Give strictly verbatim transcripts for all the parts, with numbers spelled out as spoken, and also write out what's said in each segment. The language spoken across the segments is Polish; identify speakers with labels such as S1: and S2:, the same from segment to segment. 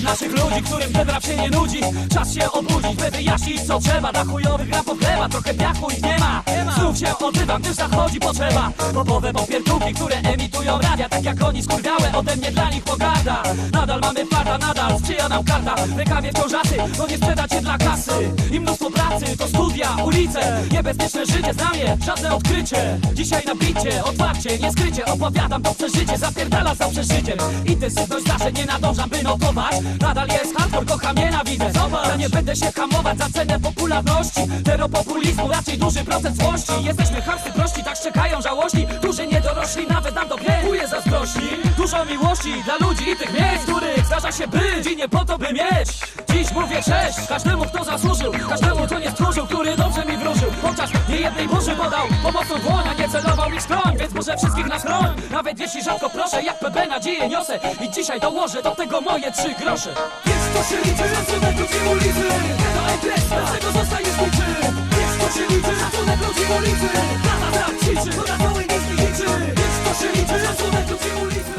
S1: naszych ludzi, którym ten rap się nie nudzi. Czas się obudzić, by wyjaśnić co trzeba. Dla chujowych rap odlewa, trochę piachu ich nie ma. Znów się odzywam, gdyż zachodzi potrzeba. Popowe popierdółki, które emitują radia. Tak jak oni skurwiałe, ode mnie dla nich pogarda. Nadal mamy farta, nadal sprzyja nam karta. W rękawie wciążacy, no nie sprzedacie dla kasy. I mnóstwo pracy, to studia, ulice. Niebezpieczne życie, znamie, żadne odkrycie. Dzisiaj na bicie, otwarcie, nie skrycie. Opowiadam to przeżycie, zapierdala za przeżyciem. Intensywność zawsze nie nadążam, by notować. Nadal jest hardcore, kocham, nienawidzę. Zobacz, ja nie będę się hamować za cenę popularności. Teropopulizmu, raczej duży procent złości. Jesteśmy chamscy, prości, tak szczekają żałości. Duży niedorośli, nawet nam to brakuje zazdrości. Dużo miłości dla ludzi i tych miejsc, których zdarza się być i nie po to, by mieć. Dziś mówię cześć każdemu, kto zasłużył, każdemu, kto nie stróżył, który dobrze mi wróżył. Chociaż nie jednej burzy podał pomocną dłoń, a nie celował mi skroń. Więc może wszystkich na skroń, nawet jeśli rzadko proszę. Jak P B nadzieję niosę i dzisiaj dołożę do tego moje trzy grosze. Więc to się liczy, szacunek ludzi ulicy. To ekres, dlaczego zostajesz mój czyn? Więc to się liczy, szacunek ludzi ulicy. Lata rap ćwiczy, to na całej niskiej liczy. Więc to się liczy, szacunek ludzi ulicy.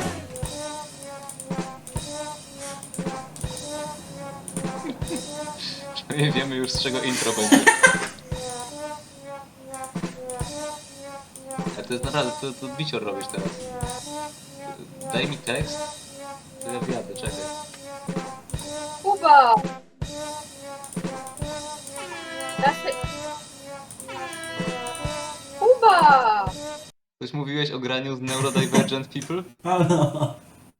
S2: Nie wiemy już, z czego intro będzie. A to jest naprawdę, to, to bicior robisz teraz. Daj mi tekst, to ja wjadę, czekaj.
S3: Kuba! Dasz... Kuba!
S2: Coś mówiłeś o graniu z Neurodivergent People?
S4: Halo.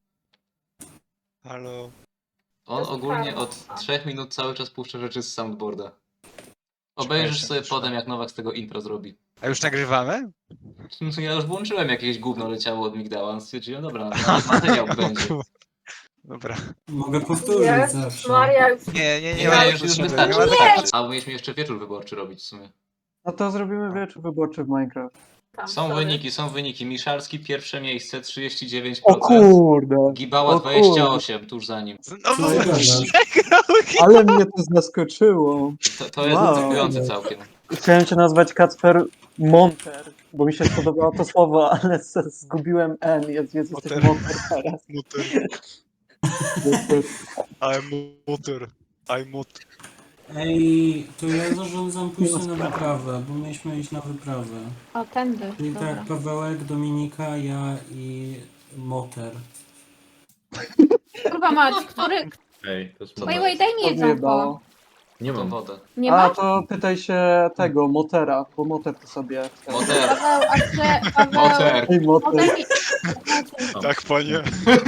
S5: Halo.
S2: On ogólnie od trzech minut cały czas puszcza rzeczy z soundboarda. Obejrzysz sobie potem, jak Nowak z tego intro zrobi.
S5: A już nagrywamy?
S2: Ja już włączyłem, jakieś gówno leciało od Migdała, więc stwierdziłem, dobra, materiał będzie.
S5: Dobra.
S4: Mogę powtórzyć
S3: Jezus
S4: zawsze.
S3: Maria, już...
S5: Nie, nie, nie,
S2: Nie,
S5: ma
S2: już, już
S5: potrzeby,
S2: wystarczy.
S5: nie ma
S2: wystarczy. A mieliśmy jeszcze wieczór wyborczy robić w sumie.
S6: No to zrobimy wieczór wyborczy w Minecraft.
S3: Tam,
S2: Są
S3: sorry.
S2: wyniki, są wyniki. Miszalski pierwsze miejsce, trzydzieści dziewięć
S6: O
S2: procent.
S6: kurde!
S2: Gibała
S6: o
S2: dwadzieścia osiem, tuż za nim.
S5: Znowu
S4: Co ty gadasz?
S5: przegrał.
S6: Ale mnie to zaskoczyło.
S2: To, to jest
S6: Wow.
S2: zaskakujące całkiem.
S6: Chciałem cię nazwać Kacper Monter, bo mi się spodobało to słowo, ale s- zgubiłem N, jest, jest jesteś
S5: Monter.
S6: Monter teraz.
S5: Muter.
S6: Jest-
S5: I'm muter. I'm muter.
S4: Ej, to ja zarządzam pójście na wyprawę, bo mieliśmy iść na wyprawę.
S3: O, tędy.
S4: Czyli
S3: Dobra.
S4: tak, Pawełek, Dominika, ja i Moter.
S3: Kurwa mać, który...
S7: Ej, to jest
S2: Co
S3: Wait,
S2: to
S3: wait, daj mi jedzonko.
S6: Odjebało.
S7: Nie
S2: Tą
S7: mam.
S2: wodę.
S3: Nie
S6: A
S3: masz?
S6: to pytaj się tego, Motera, bo Moter to sobie...
S2: Moter.
S3: Paweł, a chce... Paweł...
S2: Moter.
S6: Ej,
S3: O,
S6: Moter.
S3: daj mi...
S5: Tak, panie.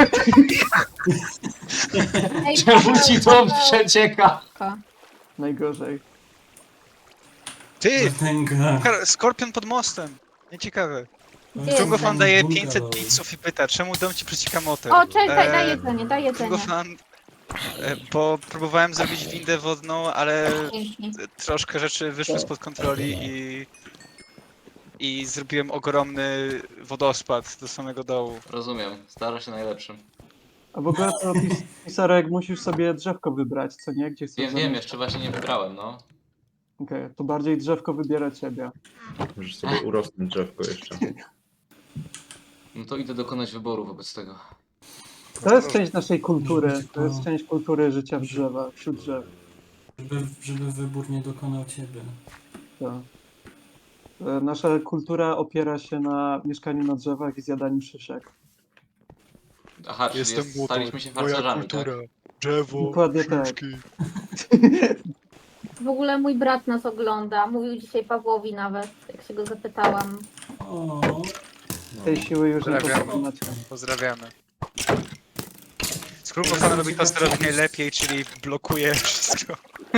S3: Ej,
S2: Czemu ci to
S3: Paweł,
S2: przecieka?
S6: Najgorzej.
S5: Ty!
S4: Tęga.
S5: Kar- Skorpion pod mostem. Nieciekawe.
S3: Gdzie jest?
S5: Kongo fan daje
S4: Bungalow.
S5: pięćset pizzów i pyta, czemu dom ci przecieka motor?
S3: O, czekaj, daj, daj
S5: Eee,
S3: jedzenie, daj
S5: Kongo
S3: jedzenie.
S5: fan... e, Bo próbowałem zrobić windę wodną, ale
S3: Dzięki.
S5: troszkę rzeczy wyszły spod kontroli i... I zrobiłem ogromny wodospad do samego dołu.
S2: Rozumiem, stara się najlepszym.
S6: A w ogóle to pis pisarek musisz sobie drzewko wybrać, co nie? Gdzie chcesz
S2: Wiem, wiem,
S6: zamieszkać.
S2: jeszcze właśnie nie wybrałem, no.
S6: Okej, to bardziej drzewko wybiera ciebie.
S7: Możesz sobie urosnąć drzewko jeszcze.
S2: No to idę dokonać wyboru wobec tego.
S6: To jest część naszej kultury, to jest część kultury życia w drzewach, wśród drzew.
S4: Żeby, żeby wybór nie dokonał ciebie.
S6: Tak. E, Nasza kultura opiera się na mieszkaniu na drzewach i zjadaniu szyszek.
S2: Aha, czyli
S5: Jestem
S2: jest,
S5: motor.
S2: staliśmy się
S5: Moja
S2: harcerzami, tak?
S5: kultura. Drzewo,
S6: Dokładnie tak.
S5: sztuczki.
S3: W ogóle mój brat nas ogląda. Mówił dzisiaj Pawłowi nawet, jak się go zapytałam.
S4: O,
S6: Tej siły już nie
S5: Pozdrawiam.
S6: pokonacie.
S5: Pozdrawiamy. Skrubo fan robi to, co robi najlepiej, czyli blokuje wszystko.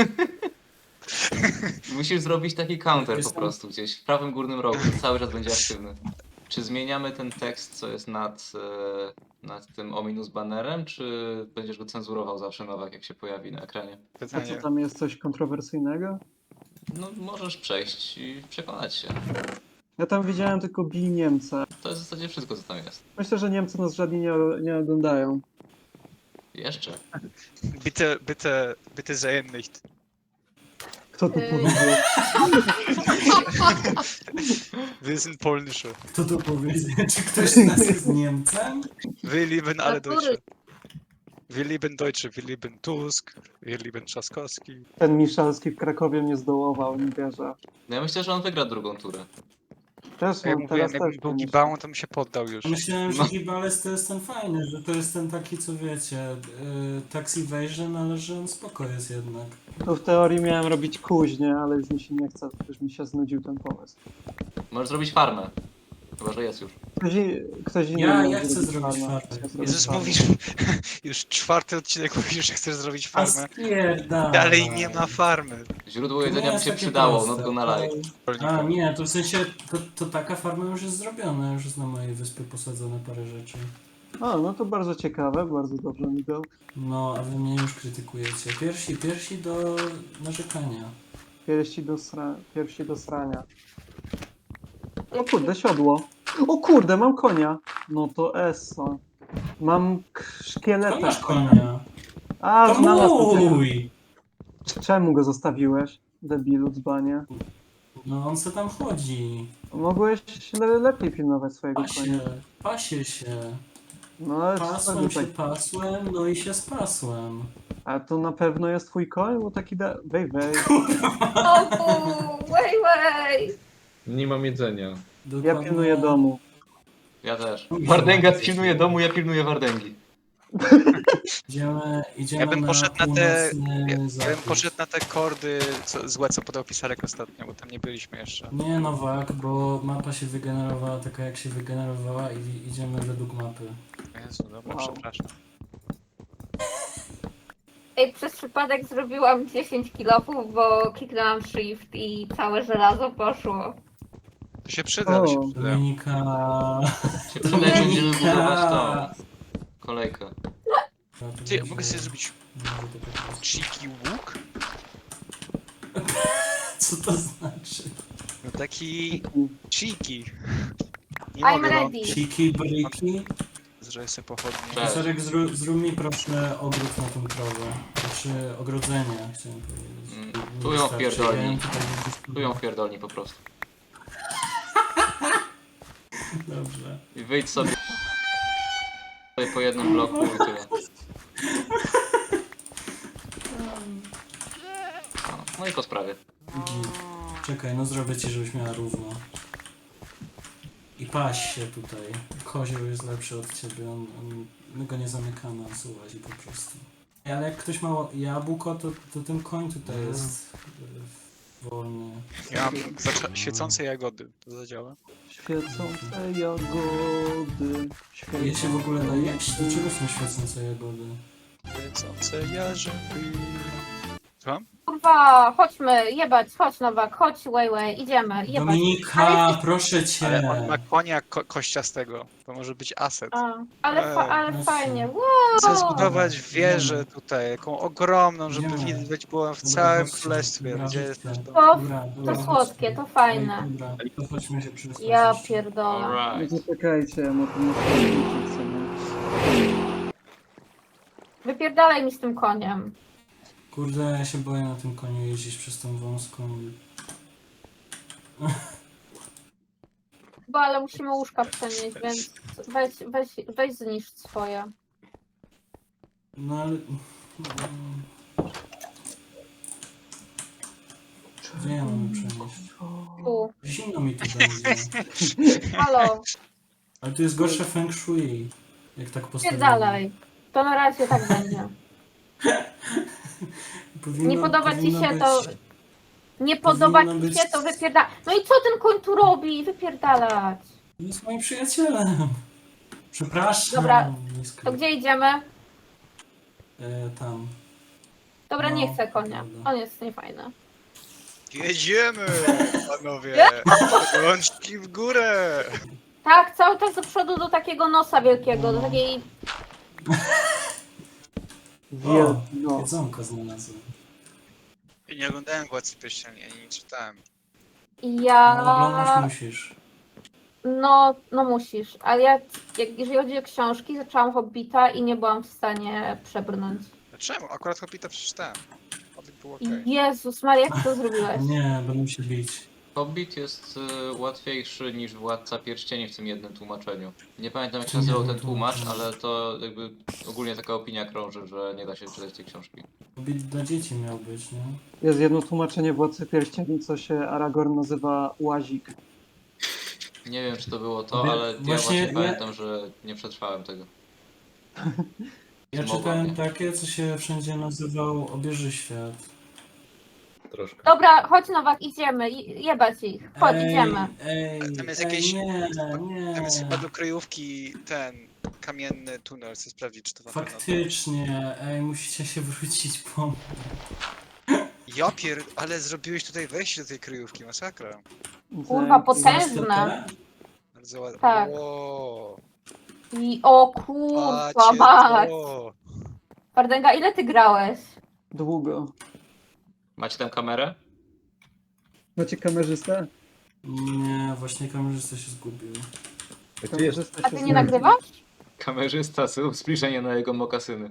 S2: Musisz zrobić taki counter po
S4: Jestem-
S2: prostu gdzieś w prawym górnym rogu, cały czas będzie aktywny. Czy zmieniamy ten tekst, co jest nad, e, nad tym ominus banerem, czy będziesz go cenzurował zawsze, Nowak, jak się pojawi na ekranie?
S6: A co
S5: Pytanie.
S6: tam jest coś kontrowersyjnego?
S2: No, możesz przejść i przekonać się.
S6: Ja tam widziałem tylko bij Niemca.
S2: To jest w zasadzie wszystko, co tam jest.
S6: Myślę, że Niemcy nas żadni nie, nie oglądają.
S2: Jeszcze.
S5: Bitte, bitte, bitte sehen nicht.
S6: Kto to
S3: Ej.
S6: powiedział?
S5: Wir sind polnische.
S4: kto to powiedział? Czy ktoś z nas jest Niemcem?
S5: Wir lieben alle
S3: Natury.
S5: Deutsche. Wir lieben Deutsche, wir lieben Tusk, wir lieben Trzaskowski.
S6: Ten Miszalski w Krakowie nie zdołował, nie wierzę.
S2: No ja myślę, że on wygra drugą turę.
S6: Też
S5: Jak
S6: mam
S5: mówiłem,
S6: teraz
S5: jakbym
S6: też
S5: był
S6: myślę.
S5: gibałą, to bym się poddał już.
S4: Myślałem, że
S2: No.
S4: Gibales to jest ten fajny, że to jest ten taki, co wiecie, yy, tax evasion, ale że on spoko jest jednak.
S6: To w teorii miałem robić kuźnie, ale już mi się nie chce, już mi się znudził ten pomysł.
S2: Możesz zrobić farmę. Chyba, że jest już.
S6: Ktoś, i- ktoś inny
S4: Ja-
S6: miał
S4: ja chcę zrobić
S6: farmę.
S4: farmę.
S6: Chcę zrobić
S5: Jezus,
S6: farmę.
S5: mówisz, już czwarty odcinek mówisz, że chcesz zrobić
S4: A
S5: farmę.
S4: spierdalaj.
S5: Dalej nie ma farmy.
S2: Źródło
S4: To nie
S2: jedzenia by
S4: jest
S2: się
S4: takie
S2: przydało,
S4: proste.
S2: not gonna lie.
S4: A nie, to w sensie, to, to taka farma już jest zrobiona, już jest na mojej wyspie posadzone parę rzeczy.
S6: O, no to bardzo ciekawe, bardzo dobrze mi go.
S4: No, a wy mnie już krytykujecie. Pierwsi, pierwsi do narzekania.
S6: Piersi do, sra... Piersi do srania. O kurde, siodło. O kurde, mam konia. No to eso. Mam k-
S4: To
S6: szkieleta.
S4: masz konia.
S6: A,
S4: To
S6: znalazłem.
S4: mój!
S6: Czemu go zostawiłeś? Debilu, dzbanie.
S4: No on se tam chodzi.
S6: Mogłeś le lepiej pilnować swojego konia.
S4: Pasie, pasie się.
S6: No ale
S4: Pasłem
S6: co
S4: się,
S6: tak...
S4: pasłem, no i się spasłem.
S6: A to na pewno jest twój koń? Bo taki da... Wej, wej.
S3: O, wej, wej.
S7: Nie mam jedzenia.
S6: Ja
S4: Dokładnie.
S6: pilnuję domu.
S2: Ja też. Wardęga pilnuje domu, ja pilnuję Wardęgi.
S4: Idziemy, idziemy
S5: Ja bym
S4: na
S5: poszedł na te-
S4: północny
S5: Ja, ja bym
S4: zachód.
S5: poszedł na te kordy co, złe, co podał Pisarek ostatnio, bo tam nie byliśmy jeszcze.
S4: Nie Nowak, bo mapa się wygenerowała taka jak się wygenerowała i idziemy według mapy.
S5: Jezu, dobra,
S6: Wow.
S5: przepraszam.
S3: Ej, przez przypadek zrobiłam dziesięć kilofów, bo kliknęłam shift i całe żelazo poszło.
S5: To się przyda, to się
S6: O,
S5: przyda.
S4: Dominika...
S2: Się przyda, jak będziemy budować tą kolejkę.
S5: Ty, ja mogę sobie zrobić cheeky łuk?
S4: Co to znaczy?
S5: No taki cheeky. Nie
S3: I'm
S5: mogę,
S3: ready.
S4: Siki, briki?
S5: bo zrobię sobie pochodnie.
S2: Cześć.
S4: Sorek, zrób, zrób mi proszę ogród na tą krowę. Znaczy ogrodzenie, chciałem powiedzieć.
S2: Mm,
S4: Nie
S2: tu ją
S4: wystarczy.
S2: wpierdolnij.
S4: Ja ją tutaj
S2: Tu ją wpierdolni po prostu.
S4: Dobrze.
S2: I wyjdź sobie po jednym bloku i tyle. No, no i po sprawie.
S4: Git. Czekaj, no zrobię ci, żebyś miała równo. I paś się tutaj. Kozioł jest lepszy od ciebie, on, on, my go nie zamykamy, on sobie łazi po prostu. Ale jak ktoś ma jabłko, to, to ten koń tutaj jest y, wolny.
S5: Ja mam zacza- świecące jagody. To zadziała?
S6: świecące jagody.
S4: Je się w ogóle da jeść? Do czego są świecące jagody?
S5: Świecące jarzęby. Słucham?
S3: Kurwa, chodźmy, jebać, chodź Nowak, chodź, way, way, idziemy, jebać.
S4: Dominika,
S3: Ale-
S4: proszę cię!
S5: Ale on ma konia ko kościastego. To może być aset.
S3: A, ale, fa ale
S4: Ej,
S3: fajnie,
S4: no
S3: wow.
S5: Chcę zbudować wieżę tutaj, jaką ogromną, żeby
S4: Idziemy.
S5: widać było w
S4: Dobra,
S5: całym
S4: chodźcie,
S5: królestwie.
S4: dobra,
S5: Gdzie
S4: chodźcie.
S5: jest to?
S3: To,
S4: Dobra,
S3: to
S4: dobra,
S3: słodkie,
S4: chodźcie.
S3: to fajne.
S4: Ej, Dobra, to chodźmy się przespać
S3: Ja
S4: jeszcze.
S3: pierdolę.
S6: No
S2: Alright.
S6: zaczekajcie, no to muszę powiedzieć sobie.
S3: Wypierdalaj mi z tym koniem.
S4: Kurde, ja się boję na tym koniu jeździć przez tą wąską.
S3: Chyba, ale musimy łóżka przenieść, więc weź, weź, weź zniszcz swoje.
S4: No ale... mm, Gdzie ja mam przenieść?
S3: Tu,
S4: Zimno mi tu będzie.
S3: halo,
S4: Ale tu jest gorsze feng shui. Jak tak postawiłem.
S3: pierdalaj. To na razie tak będzie.
S4: Powinno,
S3: Nie podoba ci
S4: powinno
S3: się
S4: być...
S3: to... Nie podoba
S4: powinno
S3: ci
S4: być-
S3: się, to wypierdalaj. No i co ten koń tu robi? Wypierdalać.
S4: Jest moim przyjacielem. Przepraszam.
S3: Dobra,
S4: nisko.
S3: To gdzie idziemy?
S4: E, tam.
S3: Dobra,
S4: No,
S3: nie chcę konia.
S4: dobra.
S3: On jest niefajny.
S5: Jedziemy, panowie! Rączki w górę!
S3: Tak, cały czas do przodu do takiego nosa wielkiego, do takiej...
S4: O,
S6: No.
S4: jedzonko znalazłem.
S5: I nie oglądałem Władcy Pierścieni, ani nie czytałem.
S3: Ja...
S4: No, oglądać musisz.
S3: No, no musisz. Ale ja, jak, jeżeli chodzi o książki, zaczęłam Hobbita i nie byłam w stanie przebrnąć.
S5: Dlaczego? Akurat Hobbita przeczytałem. Hobbit był okej.
S3: Jezus Maria, jak ty to zrobiłeś?
S4: Nie, będę się bić.
S2: Hobbit jest y, łatwiejszy niż Władca Pierścieni w tym jednym tłumaczeniu. Nie pamiętam jak się nazywał ten tłumacz, ale to jakby ogólnie taka opinia krąży, że nie da się czytać tej książki.
S4: Hobbit dla dzieci miał być, nie?
S6: Jest jedno tłumaczenie Władcy Pierścieni, co się Aragorn nazywa Łazik.
S2: Nie wiem czy to było to,
S4: Wie-
S2: ale ja
S4: właśnie
S2: właśnie
S4: ja-
S2: pamiętam, że nie przetrwałem tego.
S4: Ja
S2: Zmowa
S4: czytałem
S2: mnie.
S4: takie, co się wszędzie nazywał Obieży Świat.
S7: Troszkę.
S3: Dobra, chodź Nowak, idziemy. Je- Jebać ich. Chodź,
S4: Ej,
S3: idziemy.
S4: Ej,
S5: Tam jest
S4: ej,
S5: jakieś-
S4: nie, nie.
S5: Tam jest chyba do kryjówki ten kamienny tunel, chcę sprawdzić, czy to na pewno to.
S4: Faktycznie, ej, musicie się wrócić po...
S5: Ja pier... ale zrobiłeś tutaj wejście do tej kryjówki, masakra.
S3: Kurwa,
S6: Że-
S3: potężne.
S4: Znasz
S5: Bardzo ładnie.
S3: Tak.
S5: Wow.
S3: I o kurwa,
S5: Patrzcie
S3: mać.
S5: to.
S3: Wardęga, ile ty grałeś?
S6: Długo.
S2: Macie tam kamerę?
S6: Macie kamerzystę?
S4: Nie, właśnie kamerzysta się zgubił.
S7: Gdzie jest?
S6: Kamerzysta
S3: A
S6: się
S3: ty nie nagrywasz?
S2: Kamerzysta, zbliżenie na jego mokasyny.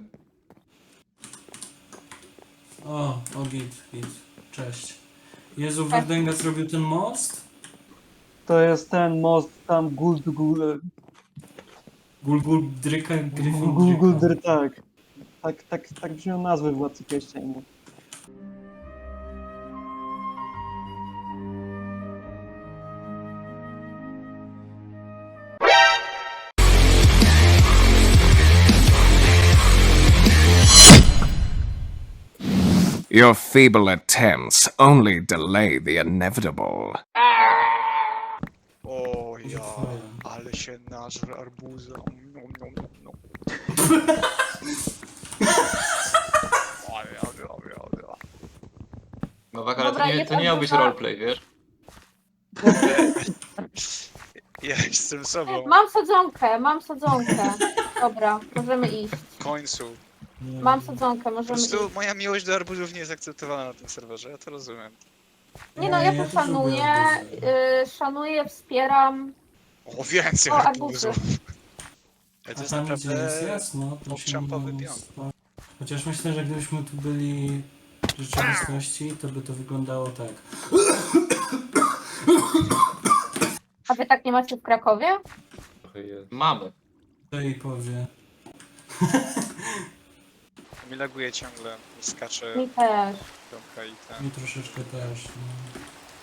S4: O, o git, git. Cześć. Jezu, Wardęga zrobił ten most?
S6: To jest ten most tam Guld Guld
S4: Gul Gul Dryka Gryfin
S6: Guld
S4: Dryka.
S6: Guldur, tak. Tak, tak, tak brzmią nazwy Władcy Pierścieni.
S8: Your feeble attempts only delay the inevitable.
S5: O
S4: Może
S5: ja,
S4: twoja.
S5: ale się nażre arbuza. Nom, nom, nom, nom. Ale, ale, ale, ale.
S2: Nowak, ale
S3: Dobra,
S2: to nie,
S3: jest
S2: to nie miał być
S3: arbuza.
S2: roleplay, wiesz?
S5: Ja jestem sobą.
S3: Mam sadzonkę, mam sadzonkę. Dobra, możemy iść.
S5: W końcu.
S4: Nie.
S3: Mam sadzonkę,
S5: Po
S3: możemy iść.
S5: prostu moja miłość do arbuzów nie jest akceptowana na tym serwerze, ja to rozumiem.
S3: Nie no,
S4: Ej,
S3: ja
S4: ja
S3: to
S4: też lubię
S3: szanuję,
S4: arbuzy.
S3: y, szanuję, wspieram.
S5: O, więcej
S3: O,
S5: arbuzów.
S3: arbuzy.
S5: Ale to
S4: A
S5: jest
S4: tam gdzie jest
S5: naprawdę...
S4: jasno, to się
S5: obczampowy
S4: nie
S5: pion.
S4: spa- Chociaż myślę, że gdybyśmy tu byli w rzeczywistości, to by to wyglądało tak.
S3: A wy tak nie macie w Krakowie?
S7: Trochę jest.
S2: Mamy.
S4: To jej powie.
S5: Mi laguje ciągle, skacze
S3: Mi też.
S5: piątka i ten.
S4: Mi troszeczkę też. No.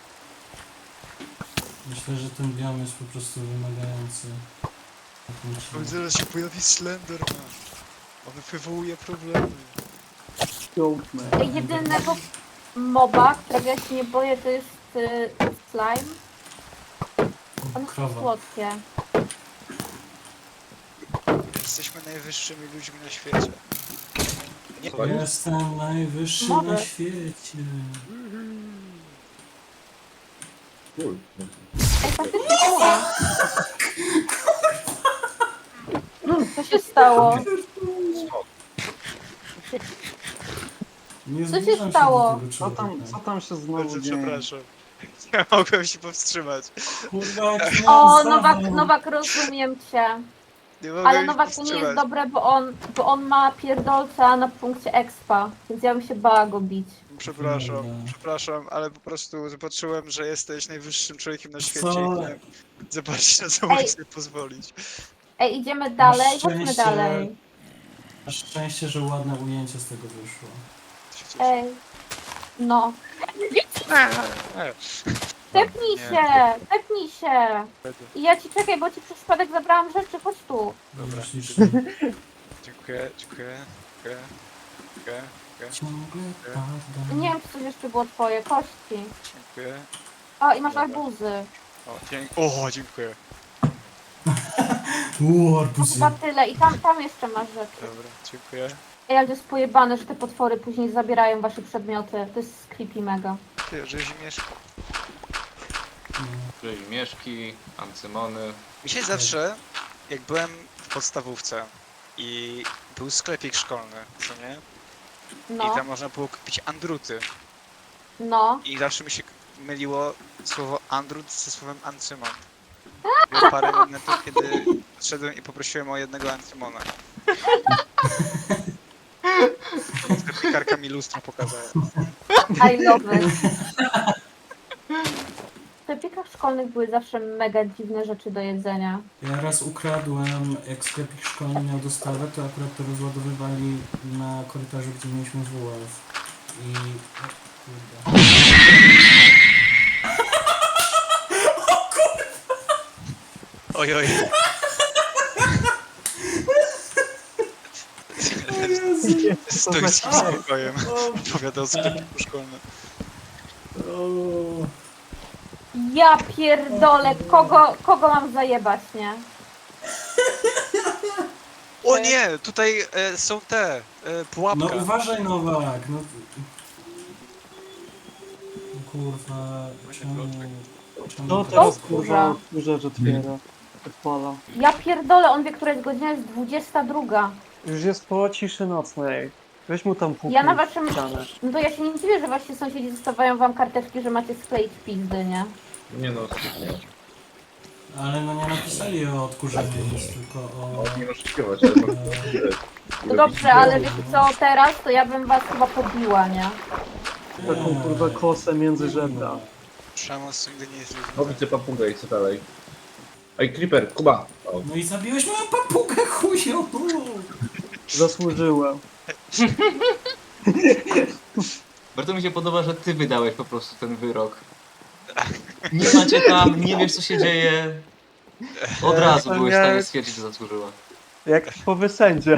S4: Myślę, że ten biom jest po prostu wymagający. na tym
S5: Oj,
S4: odcinku.
S5: zaraz się pojawi Slenderman. On wywołuje problemy.
S6: Goatman.
S3: Jedynego moba, którego ja się nie boję, to jest y, slime. On jest
S4: Krowa.
S3: słodkie.
S5: Jesteśmy najwyższymi ludźmi na świecie. Nie,
S7: Co?
S4: Jestem najwyższy
S3: Może.
S4: na świecie.
S7: Cool.
S3: Ej, faktycznie była. Co się stało?
S4: Nie
S3: Co się
S4: zbliżam
S3: stało?
S4: do tego
S6: Co tam,
S4: człowieka.
S6: co tam się znowu
S5: bardzo
S6: dzieje?
S5: przepraszam. Nie mogłem się powstrzymać.
S4: Kurwa, jak
S3: O,
S4: miałem
S3: Nowak,
S4: zawał.
S3: Nowak, rozumiem cię.
S5: Nie mogłem
S3: Ale
S5: się
S3: Nowak to nie jest
S5: powstrzymać.
S3: dobre, bo on, bo on ma pierdolca na punkcie expa, więc ja bym się bała go bić.
S5: Przepraszam,
S4: Dobra.
S5: przepraszam, ale po prostu zobaczyłem, że jesteś najwyższym człowiekiem na świecie
S4: Co?
S5: i chciałem zobaczyć, na co mogę
S3: Ej.
S5: sobie pozwolić.
S3: Ej, idziemy dalej, chodźmy
S4: szczęście.
S3: dalej.
S4: Masz szczęście, że ładne ujęcie z tego wyszło.
S5: Się cieszę.
S3: Ej. No.
S5: E,
S3: Tepnij
S5: Nie.
S3: się, tepnij się.
S5: będę.
S3: I ja ci czekaj, bo ci przez przypadek zabrałam rzeczy, chodź tu.
S5: Dobra.
S4: Ślicznie.
S5: Dziękuję, dziękuję, dziękuję, dziękuję, dziękuję,
S4: Ciągle
S5: Nie.
S4: pada.
S3: Nie wiem, czy coś jeszcze było twoje, kości.
S5: dziękuję.
S3: O, i masz
S5: Dobra.
S3: arbuzy.
S5: O, dzięk o, dziękuję.
S4: Uuu,
S3: To
S4: arbuzy.
S3: chyba tyle. I tam, tam jeszcze masz rzeczy.
S5: Dobra, dziękuję.
S3: Ej, ale to jest pojebane, że te potwory później zabierają wasze przedmioty. To jest creepy mega.
S5: Ty, rzezimieszko.
S2: Rzezimieszki, ancymony.
S5: Mi się zawsze, jak byłem w podstawówce i był sklepik szkolny, co nie? I
S3: No,
S5: tam można było kupić andruty.
S3: no.
S5: I zawsze mi się myliło słowo andrut ze słowem ancymon. Było parę momentów, kiedy szedłem i poprosiłem o jednego ancymona. Sklepikarka mi lustro pokazała.
S3: I love it. szkolnych były zawsze mega dziwne rzeczy do jedzenia.
S4: Ja raz ukradłem, jak sklepik szkolny miał dostawę, to akurat to rozładowywali na korytarzu, gdzie mieliśmy W F. I... O kurde.
S5: Oj, oj. Stoickim spokojem. Opowiadał sklepiku szkolnym.
S4: O,
S3: Ja pierdolę, kogo, kogo mam zajebać, nie?
S5: O nie! Tutaj e, są te, e, pułapka.
S4: no uważaj Nowak, no... Kurwa, czemu... czemu
S6: No
S4: tak-
S6: teraz
S3: kurwa.
S6: kurwa odkurzacz otwiera. Odpala.
S3: Ja pierdolę, on wie, która jest godzina, jest dwudziesta druga.
S6: Już jest po ciszy nocnej. Weź mu tam puknij
S3: Ja na
S6: w
S3: waszym...
S6: ścianę.
S3: No to ja się nie dziwię, że wasi sąsiedzi zostawiają wam karteczki, że macie skleić pizdy, nie?
S7: Nie no, nie.
S4: Ale no nie napisali o odkurzeniu nic, tylko o...
S7: Nie oszukiwać, ale mam
S3: No dobrze, ale wiecie co, teraz to ja bym was chyba pobiła, nie?
S6: Taką kurwa kosę między żebra.
S5: Przemoc nigdy nie jest
S7: O, widzę papugę i co dalej? Ej, Creeper, Kuba! O,
S4: No i zabiłeś moją papugę, chuju!
S6: Zasłużyłem.
S2: Bardzo mi się podoba, że ty wydałeś po prostu ten wyrok. Nie macie tam, nie wiesz co się dzieje. Od razu
S6: to
S2: byłeś w
S6: miałem-
S2: stanie stwierdzić, że zasłużyła.
S6: Jak typowy sędzia.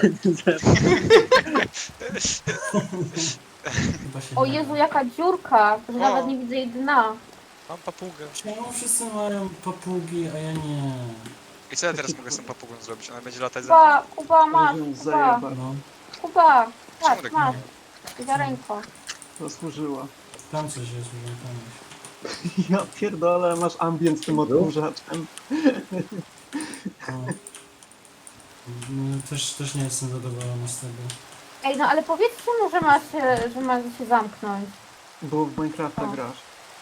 S4: Chyba się
S3: O
S4: nie
S3: Jezu,
S4: da.
S3: jaka dziurka, że
S5: O.
S3: nawet nie widzę jej dna.
S5: Mam papugę.
S4: Czemu wszyscy mają papugi, a ja nie?
S5: I co ja teraz mogę z tą papugą zrobić? Ona będzie latać za mną?
S3: Kuba, Kuba, masz,
S6: Możemy
S3: Kuba,
S6: zajebać.
S4: No,
S3: Kuba,
S5: Czemu
S3: patrz,
S5: tak
S3: masz, ziarenko.
S6: Zasłużyła.
S4: tam coś jest, że tam jest.
S6: Ja pierdolę, masz ambient z tym odkurzaczem.
S4: No. No, też, też nie jestem zadowolony z tego.
S3: Ej, no ale powiedzcie mu, że ma się, że ma się zamknąć.
S6: Bo w Minecrafta
S3: O.
S6: grasz.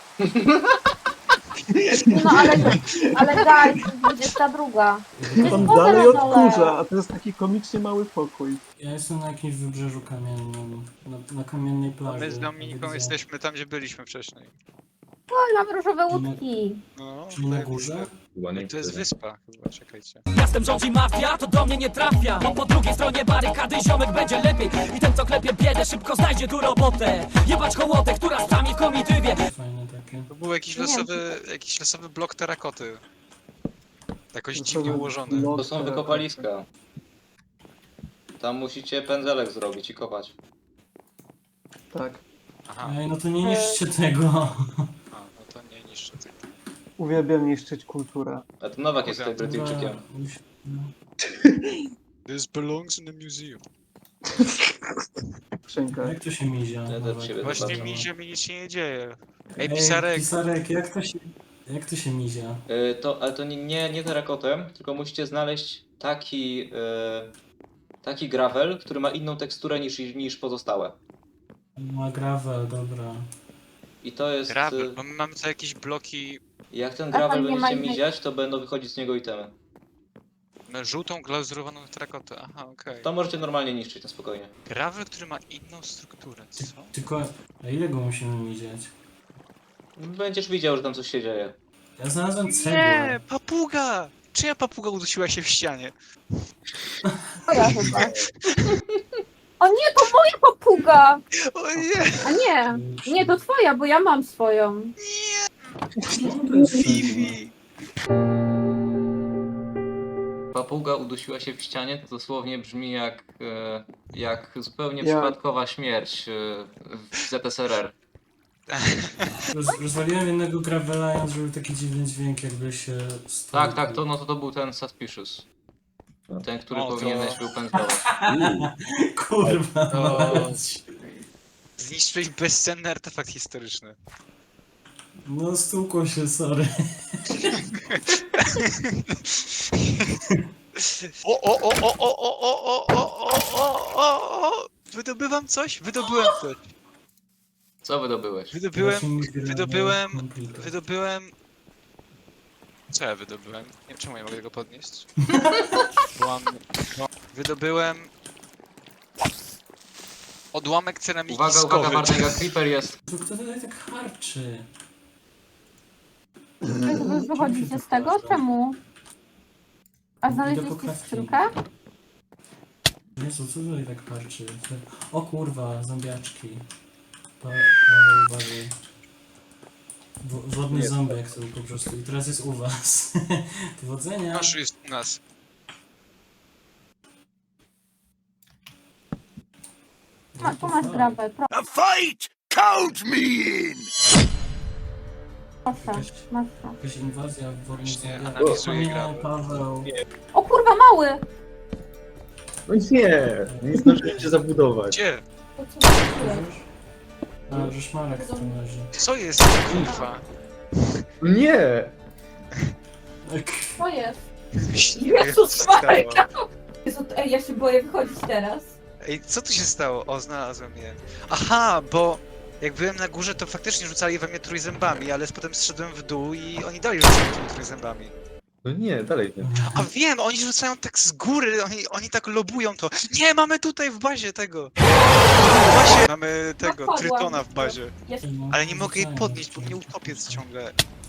S3: No ale, ale daj, to jest dwudziesta druga.
S6: On
S3: Woda
S6: dalej
S3: na dole.
S6: odkurza, a to jest taki komicznie mały pokój.
S4: Ja jestem na jakimś wybrzeżu kamiennym, na, na kamiennej plaży.
S5: My z Dominiką
S4: Widzę-
S5: jesteśmy tam, gdzie byliśmy wcześniej.
S3: O, mam różowe łódki.
S5: No,
S4: Czyli na
S5: tak.
S4: górze?
S7: Kuba, nie
S5: To jest
S7: tyle.
S5: wyspa chyba, czekajcie.
S1: Miastem rządzi mafia, to do mnie nie trafia. Bo po drugiej stronie barykady ziomek będzie lepiej. I ten co klepie biedę szybko znajdzie tu robotę. Jebać hołotę, która stami w komitywie.
S4: Fajne takie.
S5: To był jakiś
S3: Nie.
S5: losowy, jakiś losowy blok terakoty. Jakoś
S6: To
S5: dziwnie
S6: są
S5: ułożony.
S6: blok-
S2: To są wykopaliska. Tam musicie pędzelek zrobić i kopać.
S6: Tak.
S5: Aha,
S4: Ej, no to nie niszczcie tego.
S5: a, no to nie niszczę tego.
S6: Uwielbiam niszczyć kulturę.
S2: A to Nowak jest tutaj
S5: Dobra.
S2: Brytyjczykiem.
S4: No.
S5: This belongs in the museum.
S6: Skrzynkę.
S4: Jak to się mizia?
S2: Ja też
S4: Nowak?
S2: siebie
S5: Właśnie
S2: zobaczę.
S5: mi się, mi nic się nie dzieje. Ej,
S4: Ej,
S5: pisarek!
S4: Pisarek, jak to się... Jak to się mizia?
S2: Y, to, ale to nie, nie, nie terakotem, tylko musicie znaleźć taki, y, taki gravel, który ma inną teksturę niż, niż pozostałe.
S4: Ma gravel, dobra.
S2: I to jest...
S5: Gravel,
S2: y,
S5: bo my mamy tu jakieś bloki.
S2: Jak ten
S3: A tam
S2: gravel
S3: nie ma
S2: będziecie
S3: innej-
S2: miziać, to będą wychodzić z niego itemy.
S5: No, żółtą glazurowaną terakotę. Aha, okej.
S2: To możecie normalnie niszczyć na spokojnie.
S5: Gravel, który ma inną strukturę, co?
S4: Tylko, a ile go musimy miziać?
S2: Będziesz widział, że tam coś się dzieje.
S4: Ja znalazłem
S5: Nie,
S4: cegłę.
S5: papuga! Czyja papuga udusiła się w ścianie?
S3: To ja chyba. O nie, to moja papuga!
S5: O nie!
S3: A nie, nie, to twoja, bo ja mam swoją.
S4: Czemu to jest cegła?
S5: Fifi!
S2: Papuga udusiła się w ścianie, to dosłownie brzmi jak, e, jak zupełnie
S6: Ja-
S2: przypadkowa śmierć e, w Z S R R.
S4: Roz, rozwaliłem jednego gravela i on zrobił taki dziwny dźwięk, jakby się... stał-
S2: Tak, tak, to, no to, to był ten Suspicious. Ten, który
S5: O, to-
S2: powinieneś był pędzlować.
S4: Kurwa
S5: To-
S4: mać.
S5: Zniszczyłeś bezcenny artefakt historyczny.
S4: No stukło się, sorry.
S5: O, o, o, o, o, o, o, o, o, o, o, o! Wydobywam coś? Wydobyłem coś.
S2: Co wydobyłeś?
S5: Wydobyłem,
S4: Właśnie mi gra
S5: wydobyłem,
S4: komputer.
S5: wydobyłem... Co ja wydobyłem? Nie wiem, czemu nie mogę tego podnieść. Byłam... no, Wydobyłem... Odłamek ceramiki
S2: Uwaga, uwaga,
S5: skowy.
S2: Bartek, jak Creeper jest.
S4: To kto tutaj tak harczy?
S3: Wy, wy wychodzicie z tego? Czemu? A znaleźliście
S4: klatki.
S3: skrzynkę?
S4: Jezu, co tutaj tak parczy? O kurwa, zombiaczki. Pa, Paweł, uważaj. Wo- Wodny
S7: Nie.
S4: ząbek to po prostu. I teraz jest u was. Powodzenia.
S5: Nasz jest u nas.
S3: Ma, tu masz grabę, pro-
S8: A fight! Count me in!
S3: proszę. Masz to.
S4: Jakaś inwazja w wodny
S5: Właśnie,
S4: ząbek.
S5: analizuję
S4: Nie,
S5: grabę.
S4: Paweł.
S3: O kurwa, mały!
S7: No nie, nie zdążyłem cię zabudować.
S5: Gdzie?
S3: To co zrobiłeś?
S4: A, że szmarek w tym razie.
S5: Co jest, kurwa?
S7: No nie!
S4: Tak.
S3: Co jest?
S5: Myśliwe, co
S3: Jezus
S5: się stało?
S3: Maria! Jezu, ej, ja się boję wychodzić teraz.
S5: Ej, co tu się stało? O, znalazłem je. Aha, bo jak byłem na górze, to faktycznie rzucali we mnie trójzębami, ale potem zszedłem w dół i oni dalej rzucają tymi trójzębami.
S7: No nie, dalej nie.
S5: A wiem, oni rzucają tak z góry, oni, oni tak lobują to. Nie, mamy tutaj w bazie tego. W bazie mamy tego,
S3: Napadłam.
S5: trytona w bazie.
S3: Jest,
S5: Ale nie mogę jej podnieść, bo mnie utopię ciągle.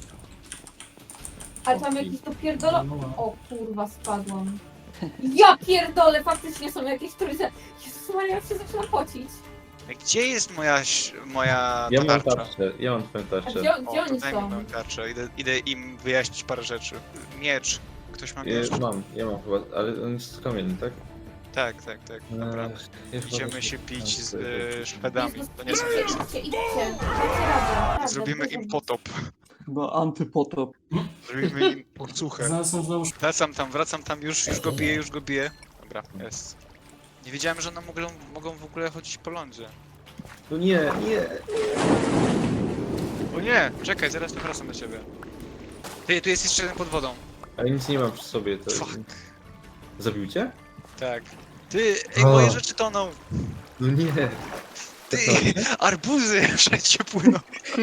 S3: ale tam jakiś to pierdolo... O kurwa, spadłam. Ja pierdolę, faktycznie są jakieś trójce. Jezus Maria, ja się zaczynam pocić.
S5: Gdzie jest moja, ś- moja
S7: Ja mam
S5: tarcza?
S7: tarczę, ja mam twoją
S3: A
S7: tarczę.
S3: gdzie,
S5: O,
S3: gdzie oni
S5: to daj mi
S3: są?
S5: moją tarczę, idę, idę im wyjaśnić parę rzeczy. Miecz. Ktoś ma miecz?
S7: Ja mam, ja mam chyba, ale on jest kamienny, tak?
S5: Tak, tak, tak, dobra.
S7: Ech, ja chyba
S5: Idziemy
S7: też-
S5: się pić z
S7: tak,
S5: y, Szwedami,
S3: Jezus,
S5: to nie są
S3: idźcie,
S5: miecze.
S3: idźcie, idźcie. Dajcie radę, radę.
S5: Zrobimy im potop.
S6: Chyba antypotop.
S5: Zrobimy im pocuchę.
S4: Znalazłem znowu
S5: Wracam tam, wracam tam, już, już go biję, już go biję. Dobra, jest. Nie wiedziałem, że one mogą, mogą w ogóle chodzić po lądzie.
S7: No nie, nie.
S5: O nie, czekaj, zaraz tu wracam do ciebie. Ty, tu jest jeszcze jeden pod wodą.
S7: Ale nic nie mam przy sobie, to...
S5: Fuck.
S7: Zabił cię?
S5: Tak. Ty, ej,
S7: O.
S5: moje rzeczy toną.
S7: No nie.
S5: Ty, arbuzy wszędzie płyną.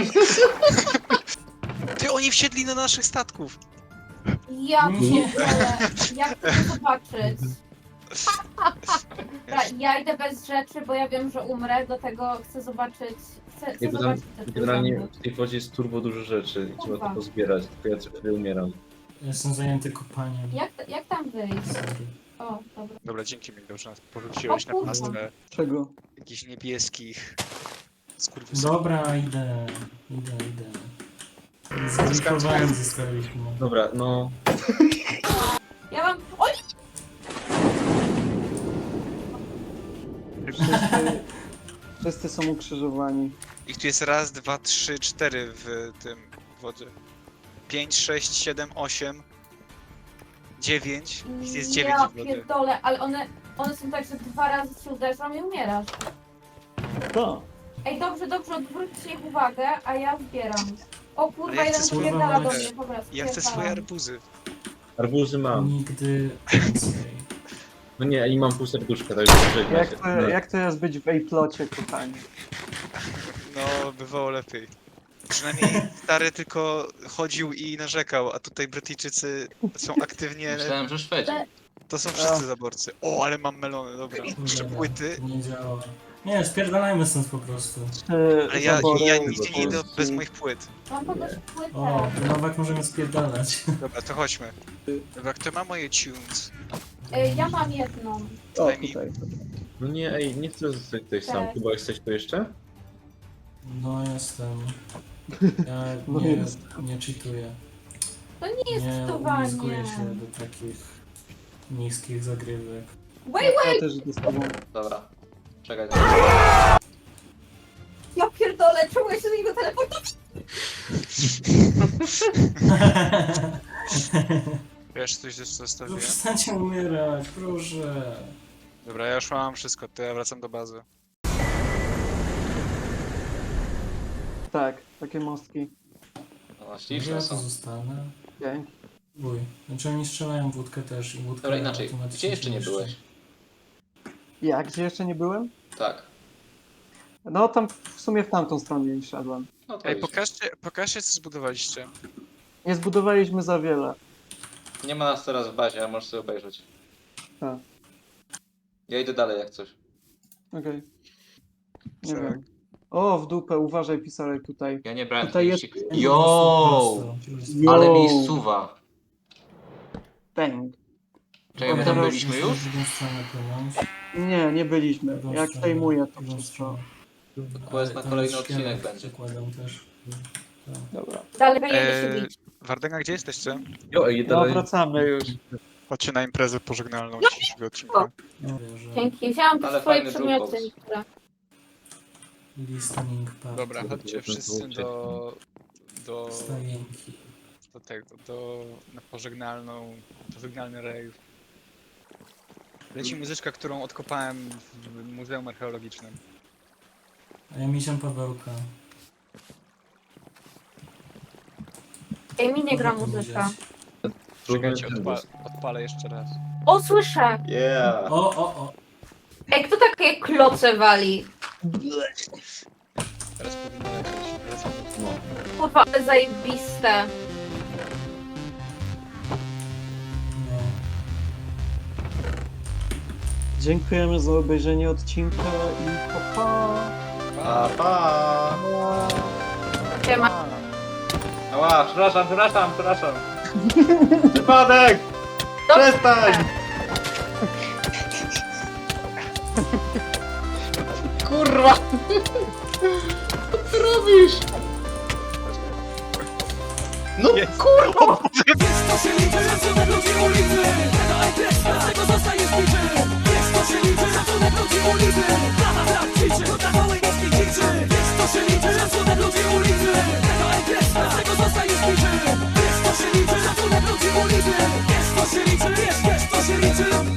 S5: Ty, oni wsiedli na naszych statków.
S3: Ja
S4: Nie.
S3: pierdolę, jak to zobaczyć? Dobra, ja idę bez rzeczy, bo ja wiem, że umrę, dlatego chcę zobaczyć, chcę, chcę
S7: Nie, bo tam
S3: zobaczyć te
S7: generalnie
S3: trójzęby.
S7: w tej wodzie jest turbo dużo rzeczy i trzeba
S3: Kurwa.
S7: to pozbierać, tylko ja co chwilę umieram.
S4: Jestem zajęty kopaniem.
S3: Jak, jak tam wyjść?
S4: Sorry.
S3: O, dobra.
S5: Dobra, dzięki mi, dobrze nas porzuciłeś na
S3: O kurwa.
S5: pastwę
S6: Czego?
S5: jakichś niebieskich skurwysynów.
S4: Dobra, idę. Idę, idę. Zglichowani zostaliśmy.
S7: Dobra, no...
S3: Ja mam... O nie!
S6: Wszyscy, wszyscy są ukrzyżowani.
S5: Ich tu jest raz, dwa, trzy, cztery w tym wodzie. Pięć, sześć, siedem, osiem, dziewięć. Ich jest dziewięć
S3: Ja
S5: w wodzie.
S3: pierdolę, ale one, one są tak, że dwa razy się uderzą i umierasz.
S6: To.
S3: Ej, dobrze, dobrze, odwróćcie ich uwagę, a ja zbieram. O kurwa,
S5: Ale ja chcę
S3: jeden
S5: swoje
S3: spierdala do
S4: małe-
S3: mnie, dobra,
S5: Ja chcę swoje
S3: spierdalam.
S5: arbuzy.
S7: Arbuzy mam.
S4: Nigdy więcej.
S7: No nie, i mam pół serduszka, także żegnaj
S6: Jak
S7: się.
S6: to,
S7: No.
S6: jak to jest być w Ejplocie, kochani?
S5: No, bywało lepiej. Przynajmniej stary tylko chodził i narzekał, a tutaj Brytyjczycy są aktywnie...
S2: Myślałem, że Szwedzi.
S5: To są wszyscy zaborcy. O, ale mam melony, dobra. Jeszcze
S4: Dobra,
S5: płyty.
S4: Nie działa. Nie, spierdalajmy stąd po prostu.
S6: Czy
S5: Ale ja,
S6: zabory
S5: ja nigdzie nie idę
S6: Polski-
S5: bez moich płyt.
S3: Mam kogoś płytę.
S4: O, Nowak możemy spierdalać.
S5: Dobra, to chodźmy. Dobra, kto ma moje tunes?
S3: Ej, ja mam jedną.
S6: O,
S5: Daj mi-
S6: tutaj.
S7: No nie, ej, nie chcę zostać tutaj sam.
S3: Tak.
S7: Chyba jesteś tu jeszcze?
S4: No jestem. Ja
S6: No
S4: nie,
S6: jest.
S4: nie cheatuję.
S3: To nie jest
S4: Nie
S3: czytowanie.
S4: umizguję się do takich niskich zagrywek.
S3: Wait,
S6: Ja też idę z tobą.
S2: Dobra. Czekaj.
S3: ja pierdolę, czemu ja się do niego teleportuję?
S5: Wiesz, coś jeszcze
S4: No
S5: zostawiłem?
S4: przestańcie umierać, proszę.
S5: Dobra, ja już mam wszystko, to ja wracam do bazy.
S6: Tak, takie mostki.
S2: No,
S4: Może
S2: śliczne
S4: ja tu
S2: są.
S4: zostanę.
S6: Dzięki.
S4: Uj, znaczy oni strzelają w wódkę też i wódkę
S2: Dobra, inaczej.
S4: automatycznie
S2: Gdzie jeszcze nie
S4: niszczy.
S2: byłeś?
S6: Ja gdzie jeszcze nie byłem?
S2: Tak.
S6: No tam w sumie w tamtą stronę nie szedłem.
S2: No to
S5: Ej,
S2: idź.
S5: pokażcie, pokażcie co zbudowaliście.
S6: Nie zbudowaliśmy za wiele.
S2: Nie ma nas teraz w bazie, a możesz sobie obejrzeć.
S6: Tak.
S2: Ja idę dalej jak coś.
S6: Okej. Nie
S5: Tak.
S6: wiem. O, w dupę, uważaj, pisarek tutaj.
S2: Ja nie brałem
S6: Tutaj jest-
S2: trzydzieści. Yo!
S6: Yo.
S2: Ale mi suwa.
S6: Bang.
S2: Czekaj, my tam
S6: Teraz
S2: byliśmy już?
S4: W drugą stronę płynąć.
S6: Nie, nie byliśmy.
S4: W drugą
S6: Jak
S4: stronę,
S6: przejmuję to
S4: w drugą
S6: wszystko.
S4: stronę.
S2: Quest na
S4: Ale tam
S2: kolejny
S4: szkielet
S2: odcinek będzie.
S4: Zakładam też. Tak.
S6: Dobra.
S3: Dalej będziemy się
S5: Eee,
S3: bić.
S5: Wardenga, gdzie jesteście?
S7: Jo, ej,
S6: No,
S7: dalej.
S6: wracamy już.
S5: Chodźcie na imprezę pożegnalną dzisiejszego odcinka.
S4: Nie wierzę.
S3: Dzięki, wzięłam te
S2: Ale
S3: swoje
S2: fajny
S3: przedmioty
S2: jukebox.
S3: niektóre.
S4: Listening party.
S5: Dobra, chodźcie wszyscy do... do...
S4: Stajenki.
S5: do tego, do... na pożegnalną... pożegnalny rave. Leci muzyczka, którą odkopałem w Muzeum Archeologicznym.
S4: A ja misiam Pawełka.
S3: Ej, mi nie gra
S4: Mogę
S3: muzyka.
S4: powiedzieć.
S5: Czekajcie, odpa odpalę jeszcze raz.
S3: O, słyszę!
S7: Yeah.
S4: O, o, o.
S3: Ej, kto takie kloce wali?
S5: Teraz powinno lecieć. Wracamy.
S3: Kurwa, ale zajebiste.
S4: Nie.
S6: Dziękujemy za obejrzenie odcinka i pa pa!
S2: Pa, pa!
S3: Siema.
S2: Ała, przepraszam, przepraszam, przepraszam. Wypadek!
S3: Dobrze.
S2: Przestań! Kurwa! Co ty robisz? No kurwa!
S1: Jest to się liczy, szacunek ludzi ulicy. Tego ekspres, dlatego zostaniesz biczy. Jest to się liczy, szacunek ludzi ulicy.